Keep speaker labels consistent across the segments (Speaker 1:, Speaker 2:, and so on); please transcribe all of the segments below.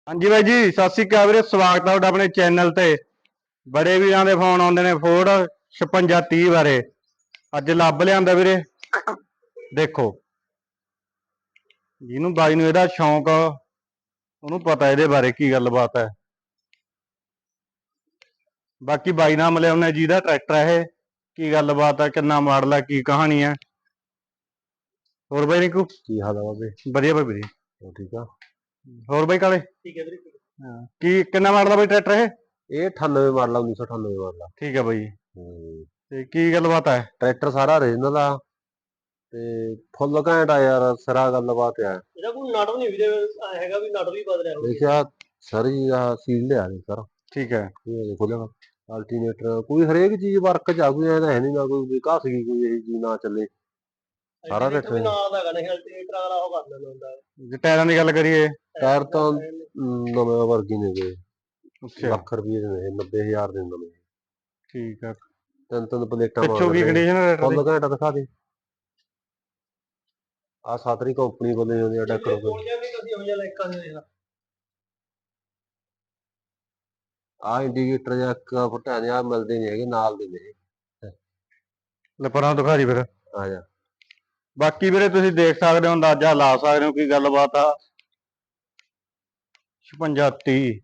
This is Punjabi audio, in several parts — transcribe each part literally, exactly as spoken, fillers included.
Speaker 1: हाँ जी भाई जी, सत श्री अकाल वीरे। स्वागत है तुहाडा अपने चैनल ते। बड़े वीरां दे फोन आउंदे ने फोर्ड छप्पन तीह बारे। अज लभ लिआंदा वीरे। देखो जिन्हों बाई नूं इहदा शौक उन्होंने पता इहदे बारे की गलबात है। बाकी बाई नाल मिले उन्हें जिहदा ट्रैक्टर है की गलबात है, किन्ना मॉडल है, की कहानी है। होर बाई रिंकू
Speaker 2: की हाल है बाबे?
Speaker 1: वधिया भाई वधिया।
Speaker 2: हो ठीक आ।
Speaker 1: होर बाई काले
Speaker 2: ठीक है वीरे।
Speaker 1: हाँ। की किन्ना मॉडल है बाई ट्रैक्टर है?
Speaker 2: ਇਹ ਅਠਾਨਵੇਂ ਮਾਡਲ ਆ, उन्नीस सौ अठानवे ਮਾਡਲ ਆ।
Speaker 1: ठीक है भाई।
Speaker 2: ਹੂੰ
Speaker 1: ते की गलबात है?
Speaker 2: ਟਰੈਕਟਰ ਸਾਰਾ ਓਰੀਜਨਲ ਆ ਤੇ ਫੁੱਲ ਘੈਂਟ ਆ ਯਾਰ, ਸਿਰਾ ਗੱਲਬਾਤ ਆ। ਇਹਦਾ ਕੋਈ ਨਟ ਨਹੀਂ ਵੀਰੇ ਹੈਗਾ ਵੀ ਨਟ ਵੀ ਬਦਲਿਆ ਹੋਵੇ। ਦੇਖਿਆ ਸਾਰੀ ਆ ਸੀਲ ਲਿਆ ਨੇ ਸਰ।
Speaker 1: ठीक है।
Speaker 2: ਇਹ ਖੋਲਿਆ ਅਲਟਰਨੇਟਰ ਕੋਈ ਹਰੇਕ ਚੀਜ਼ ਵਰਕ ਚ ਆ, ਕੋਈ ਐ ਤਾਂ ਹੈ ਨਹੀਂ ਨਾ ਕੋਈ ਵਿਕਾਸ ਗਈ ਕੋਈ ਇਹ ਚੀਜ਼ ਨਾ ਚੱਲੇ। ਸਾਰਾ ਟਰੈਕਟਰ ਨਾਲ ਦਾ ਹੈਗਾ ਨਹੀਂ, ਅਲਟਰਨੇਟਰ ਵਾਲਾ ਉਹ ਕਰ ਲੈਂਦਾ ਹੁੰਦਾ।
Speaker 1: जे टायरां दी गल करिए
Speaker 2: ਟਾਇਰ ਤਾਂ ਨਵੇਂ ਵਰਗੀ ਨੇ ਗਏ,
Speaker 1: अच्छा
Speaker 2: ਲੱਖ ਰੁਪਏ ਦੇ ਨੇ, ਨੱਬੇ ਹਜ਼ਾਰ ਦੇ ਨਵੇਂ।
Speaker 1: ठीक है।
Speaker 2: ਤਿੰਨ ਤਿੰਨ ਪਲੇਟਾਂ
Speaker 1: पिछों
Speaker 2: ਮਾਰ
Speaker 1: की
Speaker 2: ਰਹੇ
Speaker 1: कंडीशन है ट्रैक्टर
Speaker 2: ਫੁੱਲ
Speaker 1: दी?
Speaker 2: ਘੈਂਟ ਦਿਖਾ ਦੇ। ਆ ਸਾਤਰੀ ਕੰਪਨੀ ਵੱਲੋਂ ਆਉਂਦੀ ਆ ਟਰੈਕਟਰ ਕੋਲ। ਆ ਇੰਡੀਕੇਟਰ ਜਾਂ ਇੱਕ ਫੁੱਟਿਆ ਦੇ ਆ ਮਿਲਦੇ ਨਹੀਂ ਹੈਗੇ, ਨਾਲ ਦੇ ਨੇ।
Speaker 1: ले परां दिखा दी फिर।
Speaker 2: ਆ ਜਾ
Speaker 1: बाकी ਵੀਰੇ ਤੁਸੀਂ ਦੇਖ ਸਕਦੇ ਹੋ, ਅੰਦਾਜ਼ਾ ਲਾ ਸਕਦੇ ਹੋ ਕੀ ਗੱਲਬਾਤ ਆ। ਛਪਨ तीह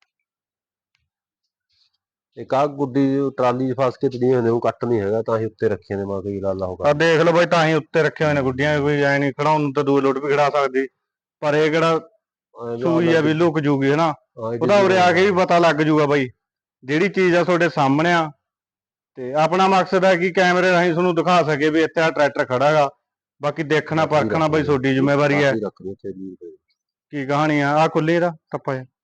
Speaker 2: ਇੱਕ ਆ ਗੁੱਡੀ ਟਰਾਲੀ 'ਚ ਫਸ ਕੇ ਚੜੀ ਹੁੰਦੇ, ਉਹ ਕੱਟ ਨਹੀਂ ਹੈਗਾ ਤਾਂ ਹੀ ਉੱਤੇ ਰੱਖੇ ਨੇ। ਮਾ ਕੋਈ ਗੱਲ ਉਹ
Speaker 1: ਆ
Speaker 2: ਕਰ
Speaker 1: ਦੇਖ ਲਓ ਬਾਈ, ਤਾਂ ਹੀ ਉੱਤੇ ਰੱਖੇ ਹੋਏ ਨੇ ਗੁੱਡੀਆਂ। ਕੋਈ ਐ ਨਹੀਂ ਖੜਾਉਣ ਨੂੰ ਤਾਂ ਦੂਏ ਲੋਟ ਵੀ ਖੜਾ ਸਕਦੀ, ਪਰ ਇਹ ਕਿਹੜਾ ਸੂਈ ਆ ਵੀ ਲੁਕ ਜੂਗੀ ਹਨਾ। ਉਹਦਾ ਉਰੇ ਆ ਕੇ ਵੀ ਪਤਾ ਲੱਗ ਜੂਗਾ ਬਾਈ, ਜਿਹੜੀ ਚੀਜ਼ ਆ ਤੁਹਾਡੇ ਸਾਹਮਣੇ ਆ। ਤੇ ਆਪਣਾ ਮਕਸਦ ਹੈ ਕਿ ਕੈਮਰੇ ਰਾਹੀਂ ਤੁਹਾਨੂੰ ਦਿਖਾ ਸਕੇ ਵੀ ਇੱਥੇ ਆ ਟਰੈਕਟਰ ਖੜਾ ਗਾ। ਬਾਕੀ ਦੇਖਣਾ ਪਰਖਣਾ ਬਾਈ ਤੁਹਾਡੀ ਜ਼ਿੰਮੇਵਾਰੀ ਹੈ। ਕੀ ਕਹਾਣੀ ਆ? ਆ ਖੁੱਲੀ ਇਹਦਾ ਟੱਪਾ ਜਿਹਾ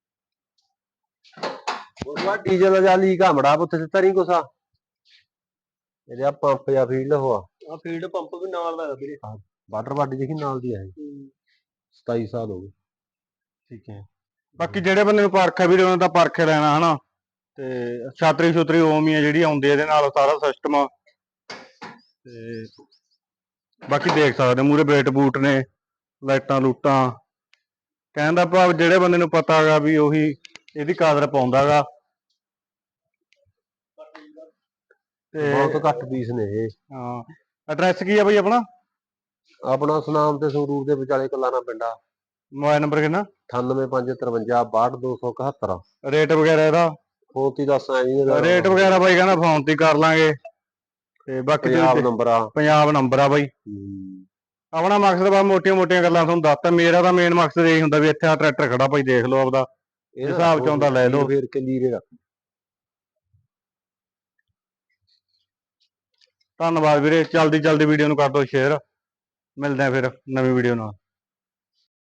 Speaker 2: ਉਸ ਬਾਅਦ ਡੀਜ਼ਲ ਜਾਂ ਲੀਕ ਆ ਮੜਾ ਉੱਥੇ ਦਿੱਤਾ ਨਹੀਂ ਕੁਛ। ਇਹਦੇ ਆ ਪੰਪ ਜਾਂ ਫੀਲਡ ਉਹ ਆ, ਆ ਫੀਲਡ ਪੰਪ ਵੀ ਨਾਲ ਦਾ ਵੀਰੇ। ਵਾਟਰ ਬਾਡੀ ਦੇਖੀ ਨਾਲ ਦੀ ਆ ਇਹ। ਸਤਾਈ ਸਾਲ ਹੋ ਗਏ।
Speaker 1: ਠੀਕ ਹੈ। ਬਾਕੀ ਜਿਹੜੇ ਬੰਦੇ ਨੂੰ ਪਰਖ ਹੈ ਵੀਰੇ ਉਹਨਾਂ ਦਾ ਪਰਖ ਲੈਣਾ ਹਨਾ। ਤੇ ਛਾਤਰੀ ਛੁਤਰੀ ਓਮ ਹੀ ਆ ਜਿਹੜੀ ਆਉਂਦੀ ਇਹਦੇ ਨਾਲ, ਸਾਰਾ ਸਿਸਟਮ। ਤੇ ਬਾਕੀ ਦੇਖ ਸਕਦੇ ਮੂਰੇ ਬੇਟ ਬੂਟ ਨੇ, ਲਾਈਟਾਂ ਲੂਟਾਂ। ਕਹਿਣ ਦਾ ਭਾਵ ਜਿਹੜੇ ਬੰਦੇ ਨੂੰ ਪਤਾ ਹੈਗਾ ਵੀ ਉਹੀ ਇਹਦੀ ਕਾਦਰ ਪਾਉਂਦਾ ਗਾ।
Speaker 2: ਤੇ ਬਹੁਤ ਘੱਟ ਪੀਸ ਨੇ ਇਹ।
Speaker 1: ਹਾਂ। ਐਡਰੈਸ ਕੀ ਆ ਬਾਈ ਆਪਣਾ?
Speaker 2: ਆਪਣਾ ਸੁਨਾਮ ਤੇ ਸੰਗਰੂਰ ਦੇ ਵਿਚਾਲੇ ਕਲਾਣਾ ਪਿੰਡਾ।
Speaker 1: ਮੋਬਾਈਲ ਨੰਬਰ ਕਿੰਨਾ?
Speaker 2: ਅਠਾਨਵੇਂ ਪੰਜ ਤਰਵੰਜਾ ਬਾਹਠ ਦੋ ਸੌ ਇਕਹੱਤਰ।
Speaker 1: ਰੇਟ ਵਗੈਰਾ ਇਹਦਾ?
Speaker 2: ਫੋਨ ਤੇ ਦੱਸ ਆਏ ਜੀ।
Speaker 1: ਰੇਟ ਵਗੈਰਾ ਬਾਈ ਕਹਿੰਦਾ ਫੋਨ ਤੇ ਕਰ ਲਾਂਗੇ। ਤੇ ਬਾਕੀ
Speaker 2: ਪੰਜਾਬ ਨੰਬਰ ਆ।
Speaker 1: ਪੰਜਾਬ ਨੰਬਰ ਆ ਬਾਈ। ਆਪਣਾ ਮਕਸਦ ਬਾ ਮੋਟੀਆਂ ਮੋਟੀਆਂ ਗੱਲਾਂ ਤੁਹਾਨੂੰ ਦੱਸਤਾ। ਮੇਰਾ ਤਾਂ ਮੇਨ ਮਕਸਦ ਇਹੀ ਹੁੰਦਾ ਵੀ ਇੱਥੇ ਆ ਟਰੈਕਟਰ ਖੜਾ ਭਾਈ, ਦੇਖ ਲਓ ਆਪਦਾ ਹਿਸਾਬ ਚ ਆਉਂਦਾ ਲੈ ਲਓ।
Speaker 2: ਫੇਰ ਕੇ ਲੀਰੇ ਰੱਖ।
Speaker 1: ਧੰਨਵਾਦ ਵੀਰੇ। ਜਲਦੀ ਜਲਦੀ ਵੀਡੀਓ ਨੂੰ ਕਰ ਦਿਓ ਸ਼ੇਅਰ। ਮਿਲਦੇ ਆ ਫਿਰ ਨਵੀਂ ਵੀਡੀਓ ਨਾਲ।